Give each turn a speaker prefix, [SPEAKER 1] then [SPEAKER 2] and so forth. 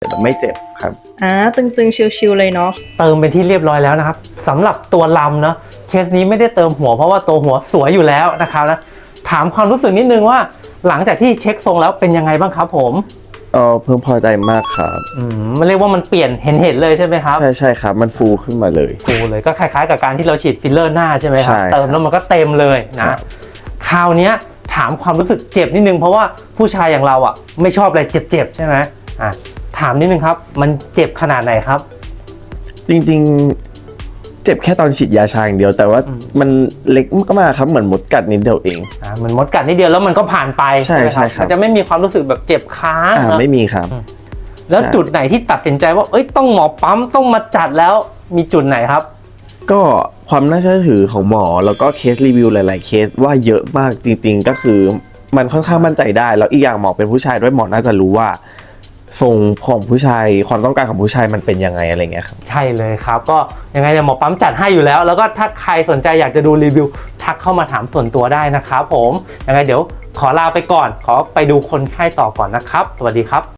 [SPEAKER 1] แต่ไม่เจ็บครับ
[SPEAKER 2] ตึงๆชิวๆเลยเนาะ
[SPEAKER 3] เติมเป็นที่เรียบร้อยแล้วนะครับสำหรับตัวลำเนาะเคสนี้ไม่ได้เติมหัวเพราะว่าตัวหัวสวยอยู่แล้วนะครับนะถามความรู้สึกนิดนึงว่าหลังจากที่เช็คทรงแล้วเป็นยังไงบ้างครับผม
[SPEAKER 1] เพิ่งพอใจมากครับ
[SPEAKER 3] มันเรียกว่ามันเปลี่ยนเห็นเลยใช่ไหมครับ
[SPEAKER 1] ใช่ครับมันฟูขึ้นมาเลย
[SPEAKER 3] ฟูเลยก็คล้ายๆกับการที่เราฉีดฟิลเลอร์หน้าใช่ไหมครับ
[SPEAKER 1] ใช่
[SPEAKER 3] เติมแล้วมันก็เต็มเลยนะคราวนี้ถามความรู้สึกเจ็บนิดนึงเพราะว่าผู้ชายอย่างเราอ่ะไม่ชอบอะไรเจ็บๆใช่ไหมถามนิดนึงครับมันเจ็บขนาดไหนครับ
[SPEAKER 1] จริงๆเจ็บแค่ตอนฉีดยาชาอย่างเดียวแต่ว่ามันเล็กมากๆครับเหมือนมดกัดนิดเดียวเอง
[SPEAKER 3] มันมดกัดนิดเดียวแล้วมันก็ผ่านไป
[SPEAKER 1] ใช่ครับ
[SPEAKER 3] มันจะไม่มีความรู้สึกแบบเจ็บค้าง
[SPEAKER 1] ไม่มีครับ
[SPEAKER 3] แล้วจุดไหนที่ตัดสินใจว่าต้องหมอปั๊มต้องมาจัดแล้วมีจุดไหนครับ
[SPEAKER 1] ก็ความน่าเชื่อถือของหมอแล้วก็เคสรีวิวหลายๆเคสว่าเยอะมากจริงๆก็คือมันค่อนข้างมั่นใจได้แล้วอีกอย่างหมอเป็นผู้ชายด้วยหมอน่าจะรู้ว่าทรงของผู้ชายความต้องการของผู้ชายมันเป็นยังไงอะไรเงี้ยครับ
[SPEAKER 3] ใช่เลยครับก็ยังไงหมอปั๊มจัดให้อยู่แล้วก็ถ้าใครสนใจอยากจะดูรีวิวทักเข้ามาถามส่วนตัวได้นะครับผมยังไงเดี๋ยวขอลาไปก่อนขอไปดูคนไข้ต่อก่อนนะครับสวัสดีครับ